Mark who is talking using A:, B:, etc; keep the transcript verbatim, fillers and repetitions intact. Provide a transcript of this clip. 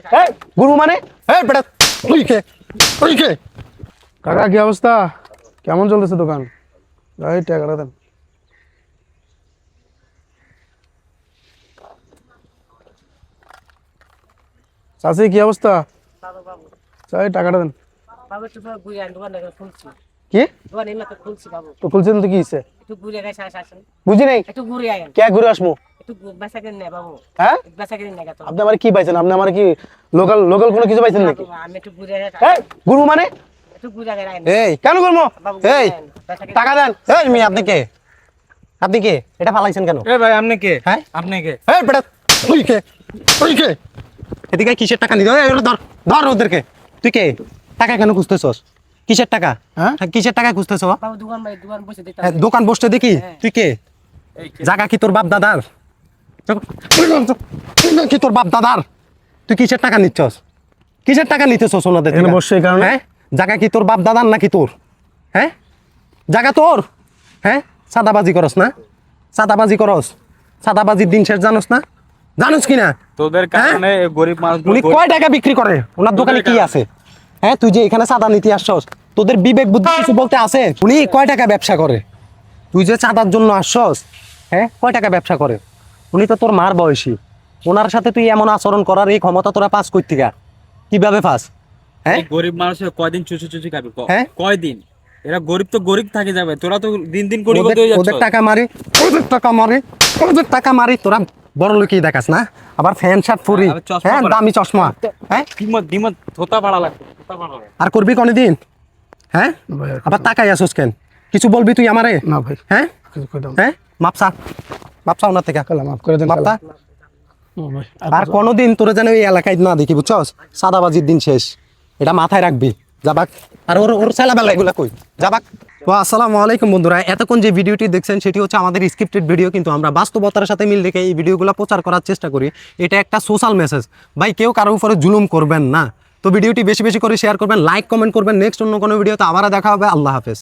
A: এই গুরু মানে এই বেটা তুই কে তুই কে?
B: কাকা কি অবস্থা? কেমন চলতেছে দোকান? এই টাকাটা দেন। চাচি কি অবস্থা? চাই টাকাটা দেন। কি তো খুলছেন তো কি হইছে? বুঝি নাই কে ঘুরে আসবো? হ্যাঁ আপনি আমার কি পাইছেন? আপনি আমার কি লোকাল লোকাল কোনো কিছু পাইছেন নাকি? এই গুরু মানে
A: এই
B: কেন করবো?
A: এই টাকা দেন। এই মি আপনি কে? আপনি কে? এটা ফালাইছেন কেন?
C: এ ভাই আপনি কে?
A: হ্যাঁ
C: আপনি কে?
A: এই বেটা তুই কে তুই কে? এদিকে কিসের টাকা নিতে? এই ধর ধর ওদেরকে। তুই কে? টাকা কেন খুঁজতেছস? কিসের টাকা?
B: হ্যাঁ?
A: হ্যাঁ কিসের টাকা খুঁজতেছ?
C: দোকান ভাই দোকান বসে দিতে
A: হ্যাঁ, দোকান বসতে দেখি। তুই কে? জায়গা কি তোর বাপ দাদার? কি তোর বাপ দাদার? তুই কিসের টাকা নিচ্ছস? কিসের টাকা নিতেছস ওনাদের
B: এখানে
A: থেকে?
B: বসছে এই কারণে?
A: হ্যাঁ জায়গা কি তোর বাপ দাদার নাকি তোর? হ্যাঁ জায়গা তোর? হ্যাঁ সাদাবাজি করস না? সাদাবাজি করস? সাদাবাজির দিন শেষ জানোস না? জানোস কি না?
C: তোদের কারণে গরিব মানুষ
A: উনি কয় টাকা বিক্রি করে? ওনার দোকানে কি আছে? হ্যাঁ তুই যে এখানে চাঁদা নিতে আসছস, তোদের বিবেক বুদ্ধি কিছু বলতে আছে? উনি কয় টাকা ব্যবসা করে? তুই যে চাঁদার জন্য আসছস, হ্যাঁ কয় টাকা ব্যবসা করে? উনি তো তোর মার বয়সী। ওনার সাথে তুই এমন আচরণ করার এই ক্ষমতা তোরা পাস করতি গা? কিভাবে পাস? হ্যাঁ
C: গরিব মানুষের কয়দিন চুচি চুচি খাবি? ক-
A: হ্যাঁ?
C: কয়দিন? এরা গরিব তো গরিব থাকে যাবে, তোরা তো দিন দিন গরিব
A: ওদের-
C: হয়ে যাচ্ছ।
A: ওদের টাকা মারি ওদের টাকা মারি ওদের টাকা মারি তোরা বড় লোকই দেখাস না? আবার ফ্যান শার্ট পরি,
C: আবার চশমা
A: হ্যাঁ
C: পরা।
A: দামি চশমা, হ্যাঁ
C: দিমত দিমত থোতা ভাড়া লাগবে, থোতা ভাড়া লাগবে।
A: আর করবি কোনদিন? হ্যাঁ
B: ভাই, আর
A: আবার তাকাই আসোস কেন? কিছু বলবি তুই আমারে?
B: না ভাই
A: হ্যাঁ
B: কিছু কই দাও।
A: হ্যাঁ মাপসা মাপসা ওনার থেকে
B: কালা মাফ করে দেন
A: মাপতা।
B: কালা। ও ভাই
A: আর কোনোদিন তোরা যেন এই এলাকায় না দেখি বুঝছস? সাদাবাজির দিন শেষ, এটা মাথায় রাখবি। যাবাক। আর ওর ওর ছেলেবেলা এগুলা কই যাবাক। তো আসসালামু আলাইকুম বন্ধুরা, এতক্ষণ যে ভিডিওটি দেখছেন সেটি হচ্ছে আমাদের স্ক্রিপ্টেড ভিডিও, কিন্তু আমরা বাস্তবতার সাথে মিল রেখে এই ভিডিওগুলো প্রচার করার চেষ্টা করি। এটা একটা সোশ্যাল মেসেজ, ভাই কেউ কারোর উপরে জুলুম করবেন না। তো ভিডিওটি বেশি বেশি করে শেয়ার করবেন, লাইক কমেন্ট করবেন। নেক্সট অন্য কোনো ভিডিওতে আবার দেখা হবে। আল্লাহ হাফেজ।